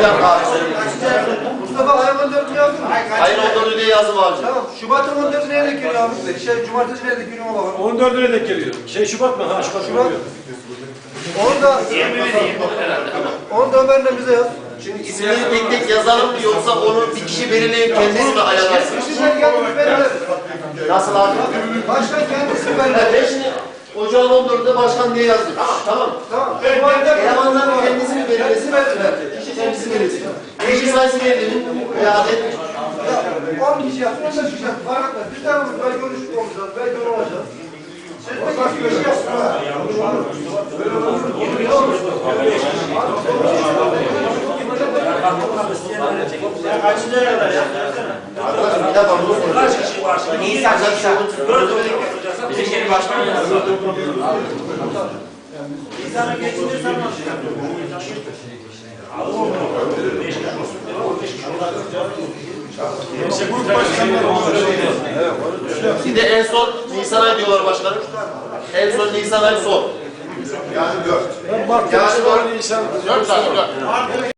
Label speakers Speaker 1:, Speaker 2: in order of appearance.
Speaker 1: dakika abi.
Speaker 2: Mustafa ayın 14'ünü yazdın mı?
Speaker 1: Ayın 14'ü diye yazdım abi.
Speaker 2: Tamam. Şubat'ın 14'ü neye denk geliyor abi? Cumartesi neye denk geliyor ona bakalım.
Speaker 3: 14'üne denk geliyor. Şubat mı? Ha Şubat.
Speaker 2: Şubat. Onu da Ömer'le bize yaz.
Speaker 1: Şimdi isimleri tek tek yazalım mı yoksa onu bir kişi belirleyip kendisi mi ayarlarsın?
Speaker 2: Kişiler kendisi belirler.
Speaker 1: Nasıl abi?
Speaker 2: Başkan kendisi
Speaker 1: Ben
Speaker 2: belirler.
Speaker 1: şimdi ocağın 14'ünde başkan diye yazdım. Tamam.
Speaker 2: Tamam.
Speaker 1: Elemanların kendisi mi belirlesin? Kişi kendisi belirlesin. Kişi sayısı belirleyin. İade et.
Speaker 2: 10 kişi yapsın, 15 kişi yapsın. Fark etmez. Bir tane belki görüşük olacağız, belki onu olacağız. Siz de kaç kişi yapsın ha?
Speaker 1: Bir dakika bunu soracağım.
Speaker 4: Kaç kişi var şimdi? Nisan. Bizim başkan yazdı. Nisan'ı geçinirsen
Speaker 1: Bir de en son Nisan ayı diyorlar başkanım. En son Nisan ayı son.
Speaker 3: Yani 4. Yani 4 Nisan.
Speaker 1: 4 tane.